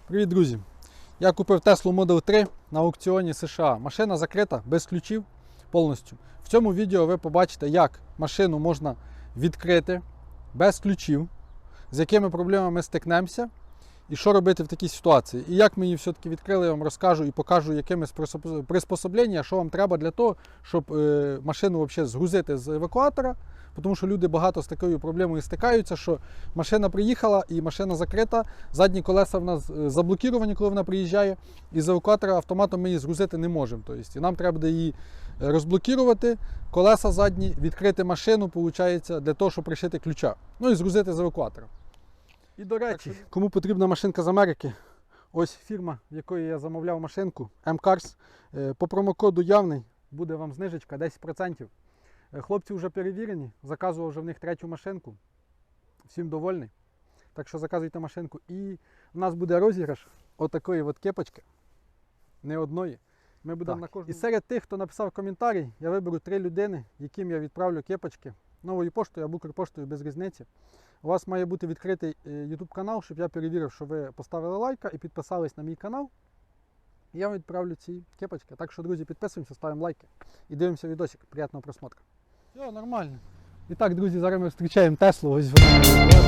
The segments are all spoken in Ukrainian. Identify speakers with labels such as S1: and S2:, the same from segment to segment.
S1: Привіт, друзі! Я купив Tesla Model 3 на аукціоні США. Машина закрита, без ключів повністю. В цьому відео ви побачите, як машину можна відкрити без ключів, з якими проблемами ми стикнемося і що робити в такій ситуації. І як ми її все-таки відкрили, я вам розкажу і покажу, якими приспособлення, що вам треба для того, щоб машину взагалі згрузити з евакуатора. Тому що люди багато з такою проблемою стикаються, що машина приїхала і машина закрита, задні колеса в нас заблоковані, коли вона приїжджає, і з евакуатора автоматом ми її згрузити не можемо. Тобто, і нам треба буде її розблокувати, колеса задні, відкрити машину, виходить, для того, щоб пришити ключа. Ну і згрузити з евакуатора. І до речі, кому потрібна машинка з Америки, ось фірма, в якої я замовляв машинку, M-Cars, по промокоду явний буде вам знижечка 10%. Хлопці вже перевірені, заказував вже в них третю машинку. Всім довольний. Так що заказуйте машинку. І в нас буде розіграш отакої от кепочки. Не одної. Ми будемо на кожному. І серед тих, хто написав коментарі, я виберу 3 людини, яким я відправлю кепочки. Новою поштою або Укрпоштою, без різниці. У вас має бути відкритий YouTube канал, щоб я перевірив, що ви поставили лайка і підписались на мій канал. І я вам відправлю ці кепочки. Так що, друзі, підписуємося, ставимо лайки і дивимося відосик. Приятного просмотру. Все, нормально. І так, друзі, зараз ми зустрічаємо Теслу. Ось вона.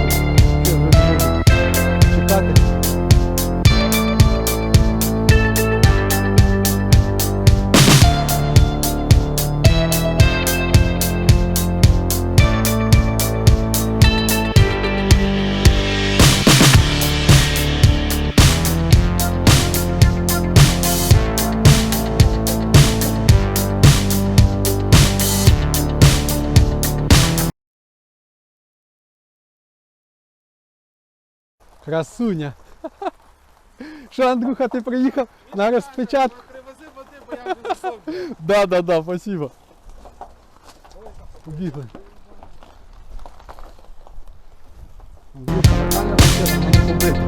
S1: Чекати. Красуня. Що, Андрюха, ти приїхав на розпечатку?
S2: Привези води, бо я вже засох.
S1: Да, спасибо. Побігли. Андрюха, нормально машина, не побити.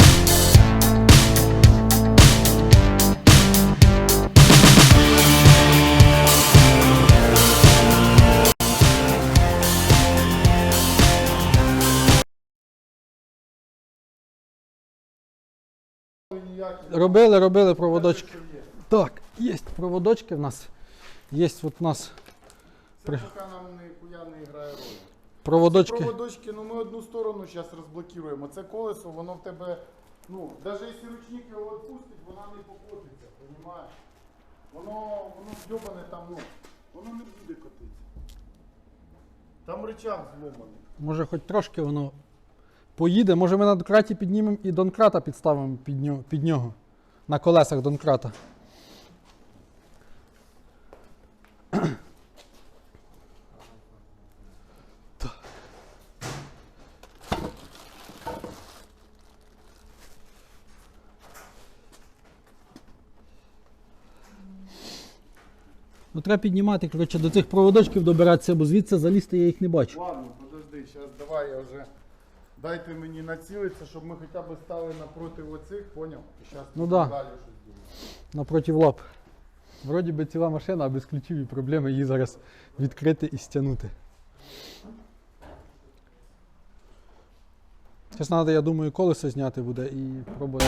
S1: Робили проводочки. Так, є проводочки в нас. Є от у нас
S2: Це поки нам ніхуя не грає роль.
S1: проводочки.
S2: Ці проводочки, ну ми одну сторону зараз розблокуємо. Це колесо, воно в тебе, ну, навіть якщо ручник його відпустить, вона не покотиться, розумієш? Воно зйобане там, ну, воно не буде котитися. Там рычаг зломаний.
S1: Може хоч трошки воно поїде. Може ми на донкраті піднімемо і донкрата підставимо під нього. На колесах донкрата. Ну треба піднімати, коротше, до цих проводочків добиратися, бо звідси залізти я їх не бачу.
S2: Ладно, подожди, зараз давай я вже... Дайте мені націлитися, щоб ми хоча б стали напроти оцих, поняв? І зараз
S1: Ну да.
S2: далі щось думаємо.
S1: Напроти лап. Вроді би ціла машина, а без ключів і проблеми її зараз відкрити і стягнути. Зараз треба, я думаю, колесо зняти буде і пробувати.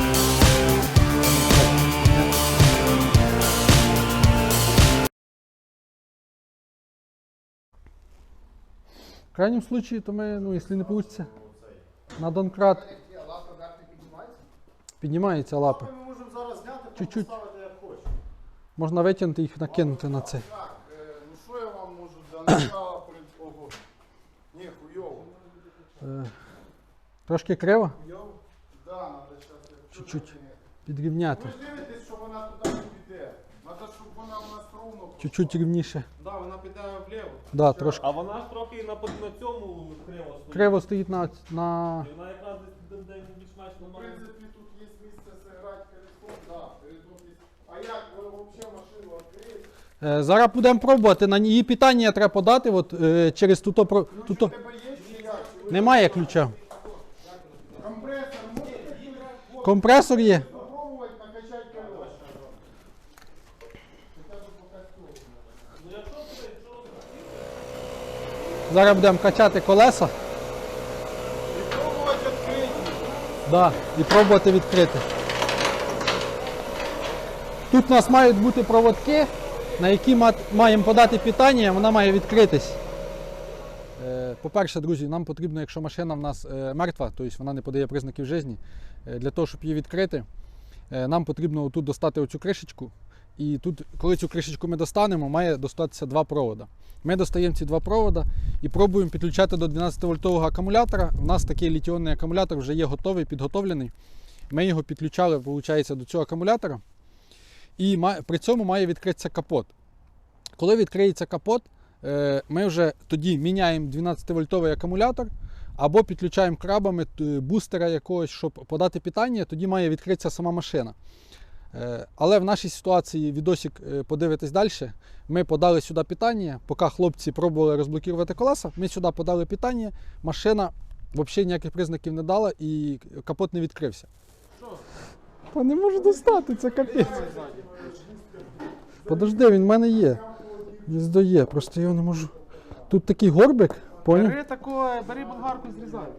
S1: В крайнем случае, то ми, ну, якщо не вийде, на донкрат піднімаються лапи.
S2: Ми можемо зараз зняти,
S1: Чуть-чуть.
S2: поставити як хочеш.
S1: Можна витягнути їх, накинути на це.
S2: Так, ну що я вам можу для начала ого. Ні, хуйово.
S1: Трошки криво,
S2: Хуйово? Да, треба зараз
S1: чуть-чуть підрівняти.
S2: Ви ж дивитесь, що вона туди не піде. Треба, щоб вона в нас ровно.
S1: Чуть-чуть рівніше.
S3: Да, вона піде вліво.
S1: Да, трошки.
S3: А вона ж трохи на цьому криво стоїть.
S1: Криво стоїть на...
S3: І вона якраз десь більш-менш
S2: В
S3: нормально.
S2: принципі, тут є місце зіграти колесом, да, передок є. А як ви взагалі машину відкриєте?
S1: Зараз будемо пробувати. На її питання треба подати от, через туто.
S2: Ключ у тебе є чи як? Чи ви-
S1: Немає ключа.
S2: Компресор можете
S1: Компресор є.
S2: попробувати накачати колеса? Хоча б поки
S1: Зараз будемо качати колеса.
S2: І пробувати відкрити.
S1: Да, і пробувати відкрити. Тут у нас мають бути проводки, на які маємо подати питання, вона має відкритись. По-перше, друзі, нам потрібно, якщо машина в нас мертва, тобто вона не подає признаків життя, для того, щоб її відкрити, нам потрібно тут достати оцю кришечку. І тут, коли цю кришечку ми достанемо, має достатися два провода. Ми достаємо ці два провода і пробуємо підключати до 12-вольтового акумулятора. У нас такий літіонний акумулятор вже є готовий, підготовлений. Ми його підключали, виходить, до цього акумулятора. І при цьому має відкритися капот. Коли відкриється капот, ми вже тоді міняємо 12-вольтовий акумулятор або підключаємо крабами бустера якогось, щоб подати питання, тоді має відкритися сама машина. Але в нашій ситуації, відосик подивитись далі, ми подали сюди питання, поки хлопці пробували розблокувати колеса, ми сюди подали питання, машина взагалі ніяких признаків не дала і капот не відкрився. Та не можу достати, це капець. Подожди, він в мене є. Гніздо є, просто його не можу. Тут такий горбик, поняв?
S4: Бери болгарку і зрізай.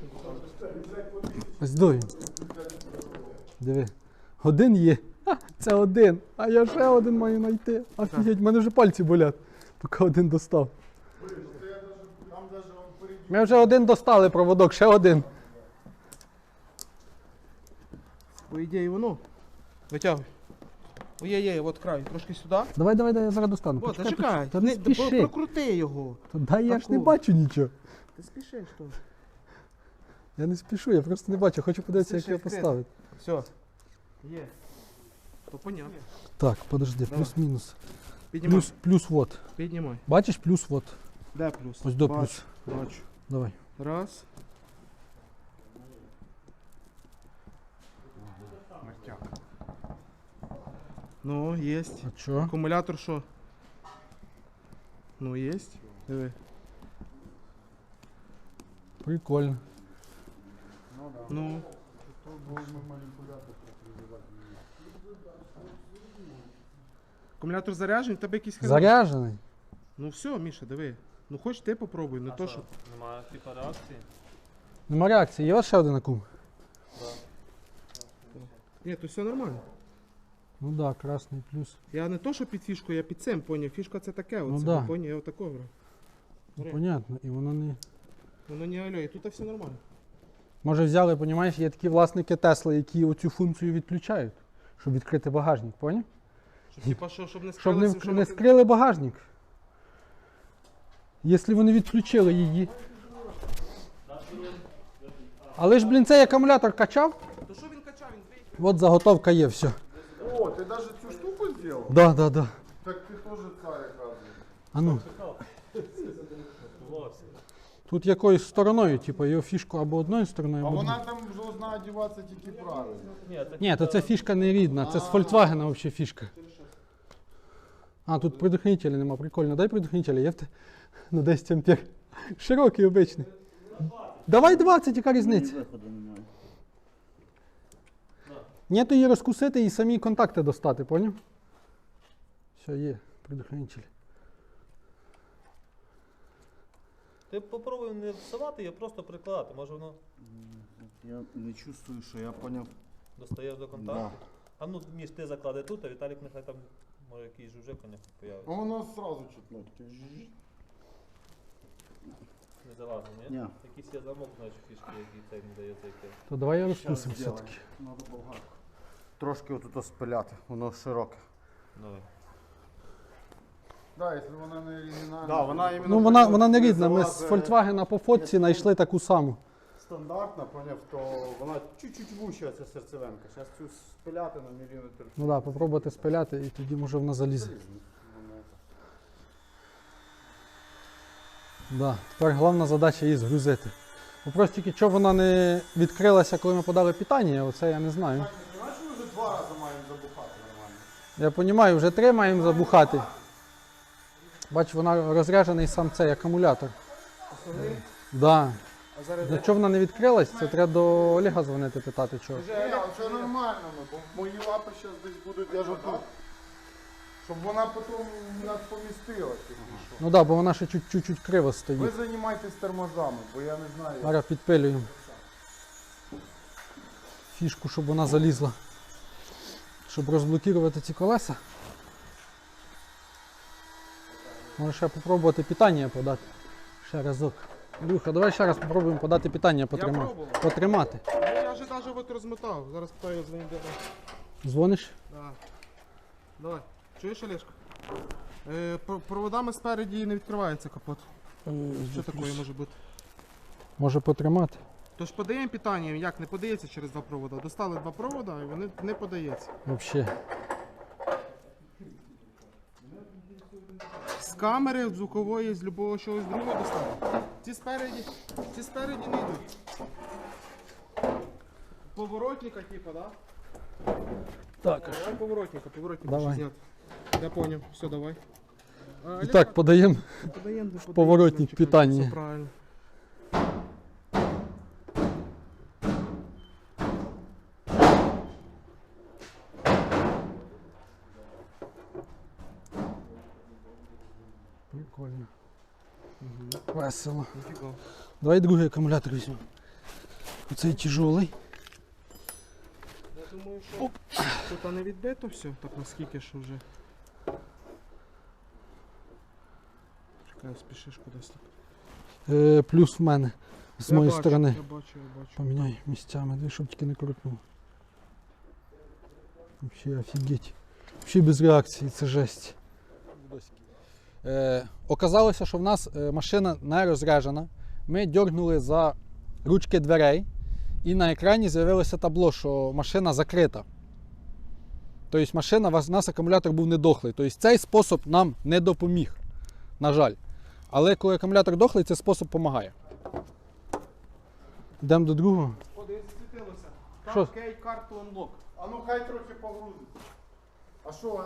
S1: Ось до він. Диви. Один є. Ха, це один. А я ще один маю знайти. Офігеть, в мене вже пальці болять, поки один достав. Ми вже один достали проводок, ще один.
S4: По ідеї воно. Витягуй. Ой-ой-ой, от край, трошки сюди.
S1: Давай, я зараз достану.
S4: О, зачекай.
S1: Та не спіши.
S4: Прокрути його.
S1: Та дай, я ж не
S4: Таку.
S1: бачу нічого.
S4: Ти спішиш то.
S1: Я не спішу, я просто не бачу. Хочу подивитися, як
S4: Це
S1: його
S4: ще
S1: поставити.
S4: Все. Є. То понятно.
S1: Так, подожди,
S4: Давай.
S1: плюс-мінус.
S4: Піднімай.
S1: Плюс вот.
S4: Піднімай.
S1: Бачиш, плюс вот.
S4: Де плюс?
S1: Ось до
S4: Бачу,
S1: плюс.
S4: Бачу.
S1: Давай.
S4: Раз. Мертяк. Ну, єсть.
S1: А чого?
S4: Акумулятор що? Ну, єсть. Диви.
S1: Прикольно.
S4: Ну. Акумулятор заряджений, в тебе якийсь хрен.
S1: Заряджений.
S4: Ну все, Міша, диви. Ну хоч ти попробуй, не то що.
S3: Немає типу реакції.
S1: Нема реакції. Є у вас ще один акум?
S4: Ні, то все нормально.
S1: Ну так, да, красний плюс.
S4: Я не то, що під фішку, я під цим поняв. Фішка це таке,
S1: Ну
S4: оце,
S1: да.
S4: поняв, я отако брав.
S1: Ну,
S4: Бери.
S1: понятно, і воно не.
S4: Воно не алло, і тут все нормально.
S1: Може взяли, понімаєш, є такі власники Тесла, які оцю функцію відключають, щоб відкрити багажник, поняв?
S4: Щоб, типа, щоб не
S1: Щоб
S4: скрилося,
S1: не,
S4: що
S1: не скрили багажник. Якщо вони відключили її. Але ж, блін, цей акумулятор качав.
S4: То що він качав, він двійки.
S1: От заготовка є, все.
S2: О, ти навіть цю штуку зробив?
S1: Да.
S2: Так ти теж цар, оказується.
S1: А ну,
S3: Вовсе.
S1: тут якоюсь стороною, типу, його фішку або одною стороною,
S2: А
S1: або
S2: вона
S1: другою.
S2: там должна одягатися тільки правильно.
S3: Ні, це
S1: Ні, то це фішка не рідна, це з Volkswagen взагалі фішка. А, тут предохранителя нема, прикольно. Дай предохранителя, є в те? На 10 ампер. Широкий, обичний. Давай 20, яка різниця? Ні, то її розкусити і самі контакти достати, поняв? Все, є, предохранитель.
S3: Ти попробуй не всувати, а просто прикладати. Може воно
S5: Я не чувствую, що я поняв.
S3: достаєш до контакту. А ну, Міш, ти заклади тут, а Віталік нехай там, може, якийсь жужик у нього
S2: А
S3: появиться.
S2: воно одразу чутно.
S3: Не залазить, ні?
S5: Ні.
S3: Якийсь є замок, знаєш, фішки, який цей не дає зайти.
S1: То давай я
S5: Щас
S1: розкусим
S5: зробимо.
S1: все-таки.
S5: Надо болгарку. Трошки отут спиляти, воно широке.
S3: Давай.
S2: Да, якщо вона не оригінальна.
S5: Да, вона іменно
S1: Ну вона не рідна, ми з Volkswagen по фотці знайшли таку саму.
S5: стандартна, поняв, то вона чуть-чуть вуща ця серцевинка. Зараз цю спиляти на міліметр.
S1: Ну так, попробувати спиляти і тоді може вона залізе. Да. Тепер головна задача її згрузити. Бо просто тільки чого вона не відкрилася, коли ми подали питання, оце я не знаю.
S2: Так, ти знаєш, ми вже 2 рази маємо забухати нормально.
S1: Я розумію, вже 3 маємо забухати. Бач, вона розряджений сам цей акумулятор. Да.
S4: А зараз
S1: Для чого вона не відкрилась, це треба до Олега дзвонити, питати чого.
S2: Ні, це нормально, бо мої лапи зараз десь будуть, я ж отут. Щоб вона потім нас помістила.
S1: Ну так, да, бо вона ще чуть-чуть криво стоїть.
S2: Ви займайтесь тормозами, бо я не знаю. як.
S1: Зараз підпилюємо фішку, щоб вона залізла. щоб розблокувати ці колеса. Може ще попробувати питання подати. Ще разок. Люха, давай ще раз попробуємо подати питання
S4: пробував.
S1: потримати.
S4: Ну, я вже навіть от розмотав. Зараз питаю з ним де.
S1: Дзвониш?
S4: Да. Давай. Чуєш, Олешко? Проводами спереді не відкривається капот. Що таке може бути?
S1: Може потримати.
S4: Тож подаємо питанням, як не подається через два провода. Достали два провода і вони не подаються.
S1: Взагалі.
S4: З камери, з звукової, з любого чогось другого достали. Ці спереді не йдуть. Поворотника, типа, да?
S1: Так.
S4: Давай поворотника
S1: Давай.
S4: ще зняти. Я понял, все, давай.
S1: І так, подаємо.
S4: Подаємо,
S1: поворотник питання.
S4: Все правильно.
S1: Прикольно. Весело.
S4: Ніфіга.
S1: Давай другий акумулятор візьмемо. Оцей тяжелий.
S4: Я думаю, що тут не відбито все, так наскільки що вже. Чекай, спішиш кудись так.
S1: Плюс в мене. З
S4: Я
S1: моєї
S4: бачу,
S1: сторони.
S4: Я бачу.
S1: Поміняй місцями, дві, щоб тільки не крутнув. Взагалі офігеть. Взагалі без реакції, це жесть. Оказалося, що в нас машина не розряджена. Ми дьоргнули за ручки дверей і на екрані з'явилося табло, що машина закрита. Тобто машина, у нас акумулятор був недохлий. Тобто цей спосіб нам не допоміг, на жаль. Але коли акумулятор дохлий, цей спосіб допомагає. Йдемо до другого.
S4: О, десь засвітилося.
S1: Що?
S4: Кейт карту unlock.
S2: А ну хай трохи погрузиться. А що,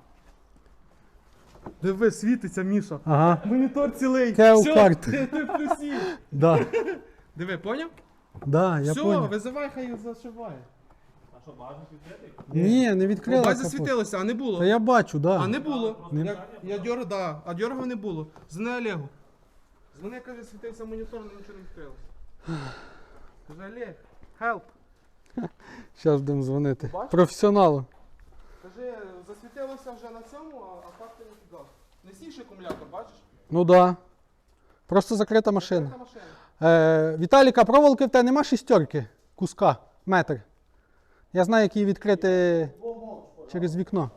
S4: Диви, світиться, Міша.
S1: Ага.
S4: Монітор цілий.
S1: Кеу
S4: Все,
S1: карт.
S4: ти плюсі.
S1: Да.
S4: Диви, поняв?
S1: Да, я
S4: Все,
S1: понял.
S4: визивай, хай їх зашиває.
S3: А що, багажник відкритий?
S1: Ні, не
S4: О,
S1: відкрила
S4: бать
S1: капот.
S4: засвітилося, а не було.
S1: Та я бачу, да.
S4: А не було.
S1: Не-
S4: Я дьоргав, да, а дьоргав не було. Дзвони Олегу. Дзвони, каже, світився монітор, але нічого не відкрилося. Каже, Олег, help.
S1: Зараз будемо дзвонити.
S4: Бачиш?
S1: Професіоналу.
S4: Каже, засвітилося вже на цьому, а факти не фігав. Не сівши акумулятор, бачиш?
S1: Ну да. Просто закрита машина.
S4: Це машина.
S1: Віталіка, проволоки в тебе нема шістерки? Куска, метр. Я знаю, як її відкрити через вікно.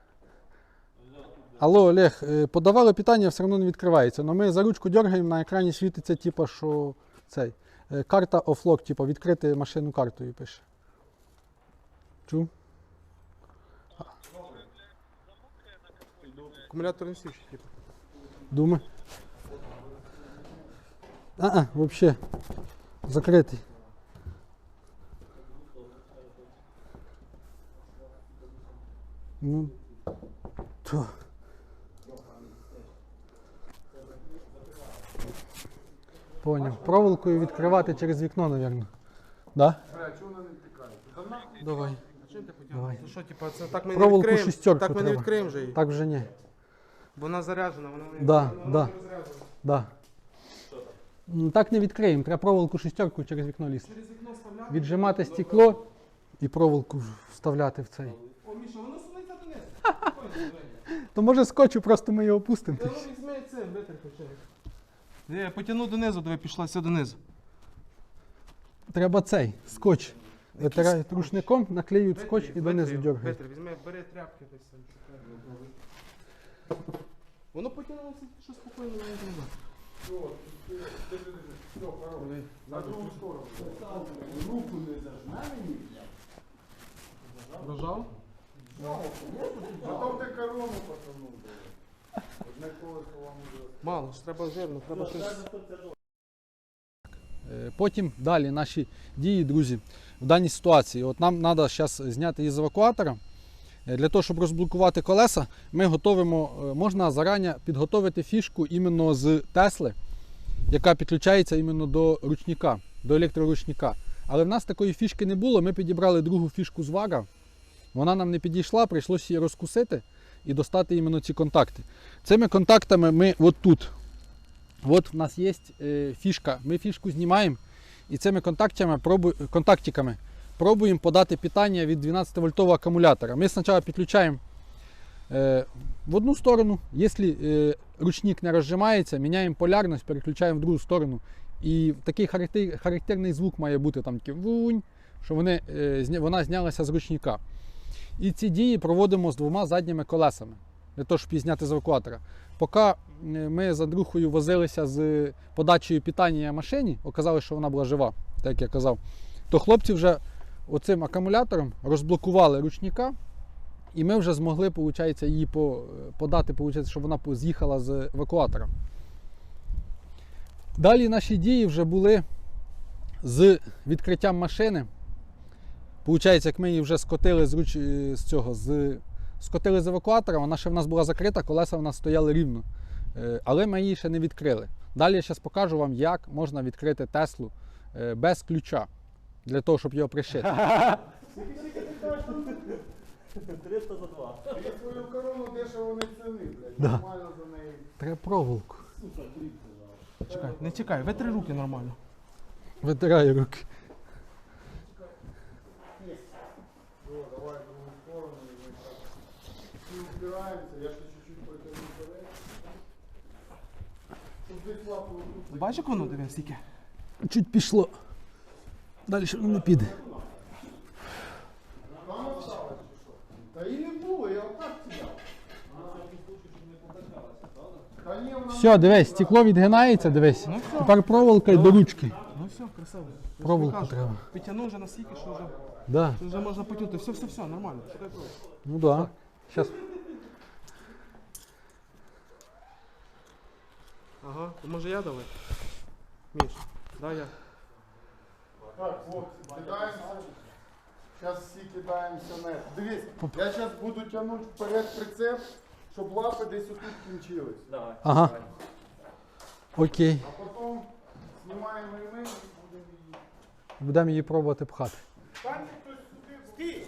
S1: Алло, Олег, подавали питання, все одно не відкривається. Но ми за ручку дергаємо, на екрані світиться, типу, що цей. Карта офлок, типу, відкрити машину картою пише. Чув?
S4: Акумулятор не сівши, типу.
S1: Дума. Вообще. Закритий. Ну. То. Поняв. Проволокою відкривати через вікно, мабуть. Да?
S2: Бля, чого вона не втікає? Та нахуй.
S1: Давай.
S4: А чим ти потягнеш?
S1: Давай.
S4: Ну що, типу, це так ми не
S1: Проволоку
S4: відкриємо.
S1: шістерку
S4: Так ми не
S1: треба.
S4: відкриємо вже її.
S1: Так вже ні.
S4: Бо вона заряджена, вона не,
S1: Да,
S4: вона
S1: да.
S4: не розряджена.
S1: Да. Так не відкриємо. Треба проволоку шістерку через вікно лізти.
S4: Через вікно вставляти.
S1: Віджимати стекло і проволоку вставляти в цей.
S4: О, Міша, воно сунеться донизу. Спокійно, диви.
S1: То може скотчу, просто ми його опустимо.
S4: Та ну візьми цим, витер хоча. Я потягну донизу, диви, пішла все донизу.
S1: Треба цей скотч. Витирають рушником, наклеюють скотч і донизу дергають.
S4: Витри, візьми, бери тряпки десь там. шукай. Воно потягнулося, що спокійно не треба.
S2: На другу сторону. Руку не зажме мені.
S4: Нажав?
S2: Потім ти корону потягнув. Одне колесо вам уже.
S4: Мало, ж треба жирно, треба щось.
S1: Потім далі наші дії, друзі, в даній ситуації. От нам треба зараз зняти із евакуатора. Для того, щоб розблокувати колеса, ми готовимо, можна зарані підготовити фішку іменно з Тесли, яка підключається іменно до ручника, до електроручника. Але в нас такої фішки не було, ми підібрали другу фішку з Вара. Вона нам не підійшла, прийшлося її розкусити і достати іменно ці контакти. Цими контактами ми от тут. От в нас є фішка, ми фішку знімаємо і цими контактиками пробуємо подати питання від 12-вольтового акумулятора. Ми спочатку підключаємо в одну сторону. Якщо ручник не розжимається, міняємо полярність, переключаємо в другу сторону. І такий характерний звук має бути там такий вунь, що вона знялася з ручника. І ці дії проводимо з двома задніми колесами, для того, щоб її зняти з евакуатора. Поки ми з Андрюхою возилися з подачею питання машині, оказалось, що вона була жива, так як я казав, то хлопці вже оцим акумулятором розблокували ручника, і ми вже змогли, виходить, її подати, виходить, щоб вона з'їхала з евакуатора. Далі наші дії вже були з відкриттям машини. Получається, як ми її вже скотили скотили з евакуатора, вона ще в нас була закрита, колеса в нас стояли рівно. Але ми її ще не відкрили. Далі я зараз покажу вам, як можна відкрити Теслу без ключа, для того, щоб його пришити.
S3: 300 за 2.
S2: Ти свою корону дешево не ціни, блядь.
S1: Да.
S2: Нормально за неї.
S1: Треба проволоку.
S4: Чекай, не чекай, витри руки нормально.
S1: Витираю руки.
S2: О, давай в другу сторону і ми так. Всі упираємося, я ще чуть-чуть потягну вперед. Щоб десь лапу тут.
S4: Бачиш, як воно дивись, скільки?
S1: Чуть пішло. Далі воно не піде.
S2: Там осталось чи що? Та і не було, я отак сідав. Та ні, вона
S1: Все, дивись, стекло відгинається, дивись. Тепер проволока й до ручки.
S4: Ну все, красиво.
S1: Проволоку треба.
S4: Підтягнув вже настільки, що
S1: Да.
S4: вже можна потягнути. Все, нормально. Чекай проволоку.
S1: Ну да. Сейчас.
S4: Ага, то може я давай? Міш, дай я.
S2: Так, хлопці, кидаємося. Зараз всі кидаємося на. Дивись, я зараз буду тягнути вперед прицеп, щоб лапи десь отут кінчились.
S3: Давай.
S1: Ага. Окей.
S2: А потім знімаємо ремень і будемо її.
S1: Будемо її пробувати пхати.
S2: Станьте хтось сюди. Стій!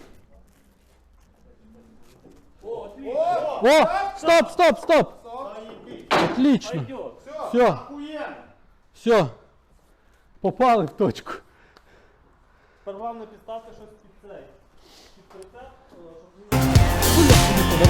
S1: О! Стоп! Отлично.
S3: Пойдет.
S1: Все,
S2: Охуєнно!
S1: все. Попали в точку.
S3: Тепер головне підставте щось під цей. Під прицеп, щоб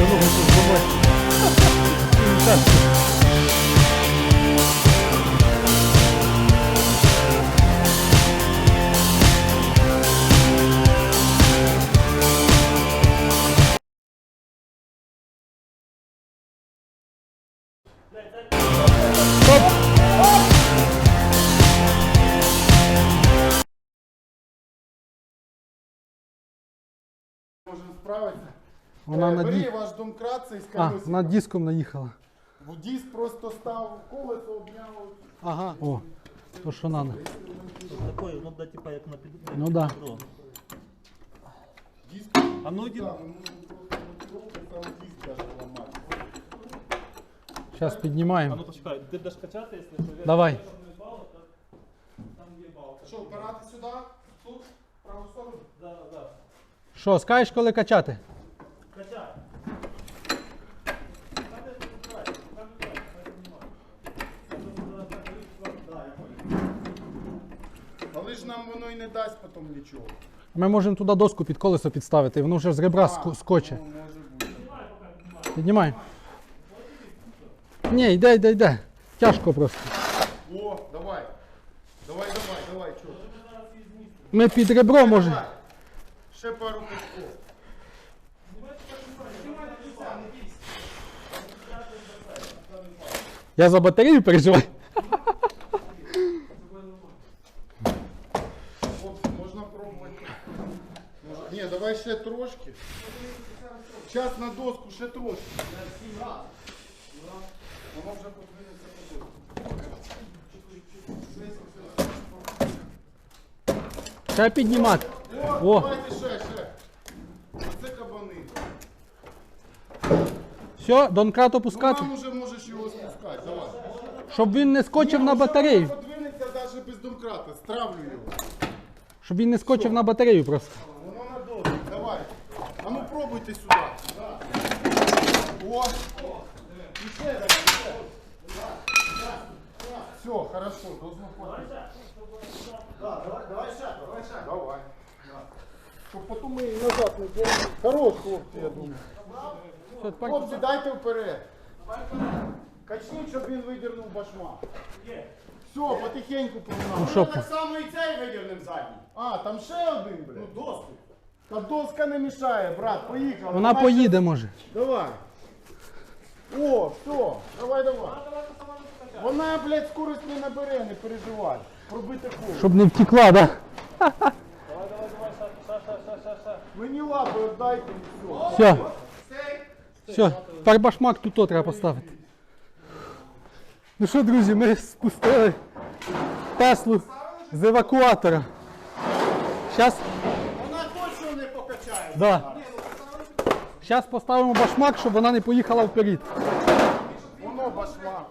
S2: Можемо справитися.
S1: Вона на
S2: Бери
S1: ді...
S2: ваш домкрат цей з
S1: А,
S2: колесиком.
S1: над диском наїхала.
S2: В диск просто став колесо, обняло.
S1: Ага. О, то що надо.
S3: такої, ну да, типа як на під.
S1: Ну да.
S3: Бро.
S2: Диск.
S3: А ну йди.
S2: Так, ну просто там диск даже ламати.
S1: Зараз
S3: А
S1: піднімаємо.
S3: ну почекай, ти будеш качати, якщо що.
S1: Давай.
S3: Там є балка.
S2: Що, опирати сюди? Тут? В праву сторону?
S3: Да.
S1: Що, скажеш, коли качати?
S3: Качай.
S2: Але ж нам воно і не дасть потім нічого.
S1: Ми можемо туди доску під колесо підставити, і воно вже з ребра скоче.
S2: Ну, може бути.
S1: Піднімай. Ні, йде. Тяжко просто.
S2: О, давай. Давай, чого?
S1: Ми під ребро можемо.
S2: Ще пару кусков.
S1: Я за батарею переживаю.
S2: Хлопці, можна пробувати. Ні, давай ще трошки. Зараз на доску ще трошки. Воно вже подвинеться по доску.
S1: Треба піднімати. О,
S2: Давайте ще. Оце кабани.
S1: все, донкрат
S2: Ну,
S1: опускати,
S2: нам уже можеш його спускати. Давай.
S1: щоб він не скочив на батарею.
S2: Воно подвинеться навіть без домкрата. Стравлю його.
S1: Щоб він не скочив на батарею просто.
S2: Воно на доску. Давай. А ну пробуйте сюди. О. І ще раз. Все, хорошо, должно хватить. Давай. Щоб потім ми її назад не ділили. Хорош, хлопці, я думаю.
S1: Все, тепер
S2: Хлопці, дайте вперед. Качніть, щоб він видернув башмак. Все, потихеньку погнали.
S1: що?
S5: Так само і цей видірним задній.
S2: А, там ще один, блядь.
S5: Ну, доску.
S2: Та доска не мішає, брат, поїхали.
S1: Вона поїде, може.
S2: Давай. О, все, давай, давай. Вона, блядь, скорость не набере, не переживай. Пробити коло.
S1: Щоб не втекла, да?
S2: Мені лапи віддайте і все.
S1: Все. Все, тепер башмак тут треба поставити. Ну що, друзі, ми спустили Теслу з евакуатора. Зараз
S5: Вона точно не покачає.
S1: да. Щас поставимо башмак, щоб вона не поїхала вперед.
S2: Воно башмак.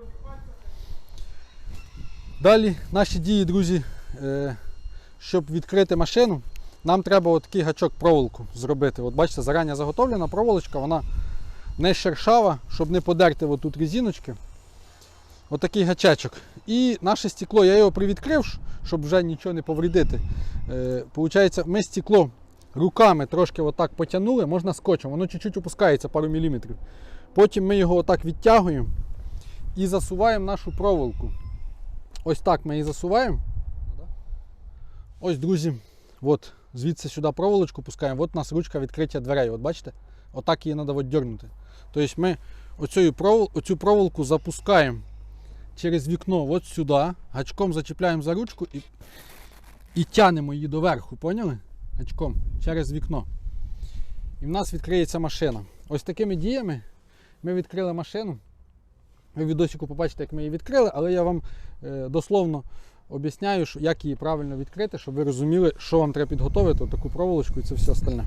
S1: Далі наші дії, друзі, щоб відкрити машину, нам треба отакий гачок проволоку зробити. От бачите, зарані заготовлена проволочка, вона не шершава, щоб не подерти отут резиночки. Отакий гачечок. І наше стекло, я його привідкрив, щоб вже нічого не повредити. Получається, ми стекло руками трошки отак потягнули, можна скотчем, воно чуть-чуть опускається пару міліметрів. Потім ми його отак відтягуємо і засуваємо нашу проволоку. Ось так ми її засуваємо. Ось, друзі, от, звідси сюди проволочку пускаємо. От у нас ручка відкриття дверей. От бачите? Отак її треба дьорнути. Тобто ми оцю проволоку запускаємо через вікно от сюди, гачком зачіпляємо за ручку і тянемо її доверху. Поняли? Гачком через вікно. І в нас відкриється машина. Ось такими діями ми відкрили машину. Ви в відосику побачите, як ми її відкрили, але я вам дословно об'ясняю, як її правильно відкрити, щоб ви розуміли, що вам треба підготовити, таку проволочку і це все остальне.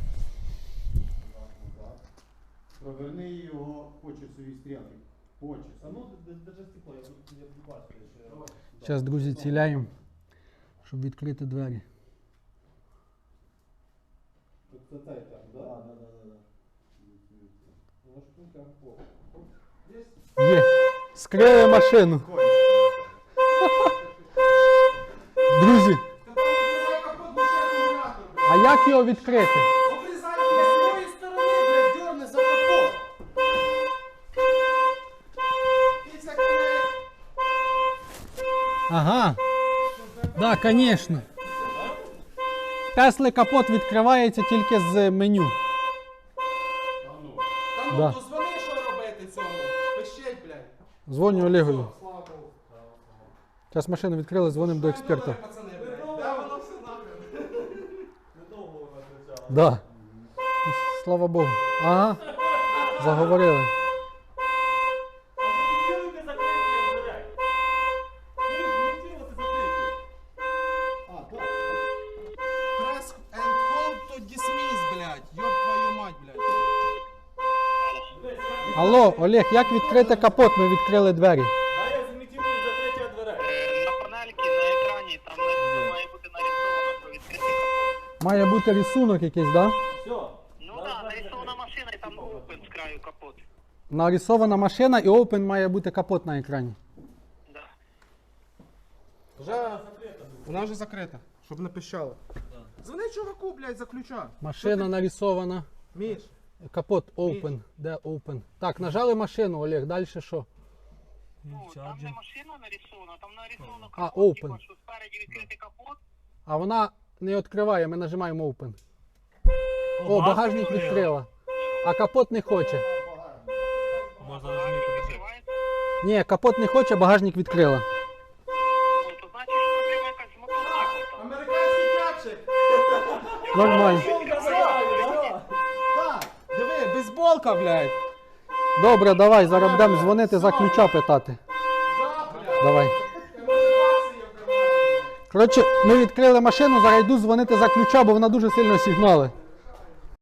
S5: Проверни його по часовій стрілці. По часу.
S3: А ну, держи стекло, я тут не бачу.
S1: Зараз, друзі, ціляємо, щоб відкрити двері.
S5: Це цей так, да?
S1: Є! Скрили машину! Друзі, а як його відкрити?
S4: Обрізай з тої сторони, блядь, дьорни за капот. Після кінець.
S1: Ага. Да, звісно. Тесли капот відкривається тільки з меню.
S4: Та ну,
S1: Да.
S4: то дзвони, що робити цьому. Пишіть, блядь.
S1: Дзвоню Олегові.
S4: Слава Богу.
S1: Зараз машину відкрили, дзвонимо до експерта.
S4: Пацани, блядь. Да, воно все нахрен.
S3: Недовго вона кричала.
S1: Да. Слава Богу. Ага. Заговорили.
S3: Фіксируйте закриття дверей. Фіксируйте закриття.
S5: А, так.
S4: Press and hold to dismiss, блядь. Ёб твою мать, блядь.
S1: Алло, Олег, як відкрити капот? Ми відкрили двері.
S3: А я зімітірую закриття дверей.
S6: На панельці, на екрані, там має бути нарисовано, що відкритий капот.
S1: Має бути рисунок якийсь, да?
S3: Все.
S6: Ну так, нарисована машина і там open з краю капот.
S1: Нарисована машина і open має бути капот на екрані.
S6: Да.
S4: Вона вже закрита, щоб не пищало. Дзвони чуваку, блядь, за ключа.
S1: Машина нарисована.
S4: Міш.
S1: Капот open. Де open? Так, нажали машину, Олег, далі що?
S6: Ну, там не машина нарисована, там нарисовано
S1: А,
S6: капот,
S1: open.
S6: типа, що спереді відкритий капот.
S1: А вона не відкриває, ми нажимаємо open. О, багажник відкрила. А капот не хоче.
S3: Можна розуміти.
S6: Відкривається.
S1: Ні, капот не хоче, багажник відкрила.
S6: Ну, то значить, що проблема якась з мотоциклом там.
S4: Американський тячик.
S1: Нормально.
S4: Так, диви, бейсболка, блядь.
S1: Добре, давай, зараз будемо дзвонити за ключа питати.
S4: Да, блядь.
S1: Давай.
S4: Мотивація в кармані.
S1: Коротше, ми відкрили машину, зараз йду дзвонити за ключа, бо вона дуже сильно сигнали.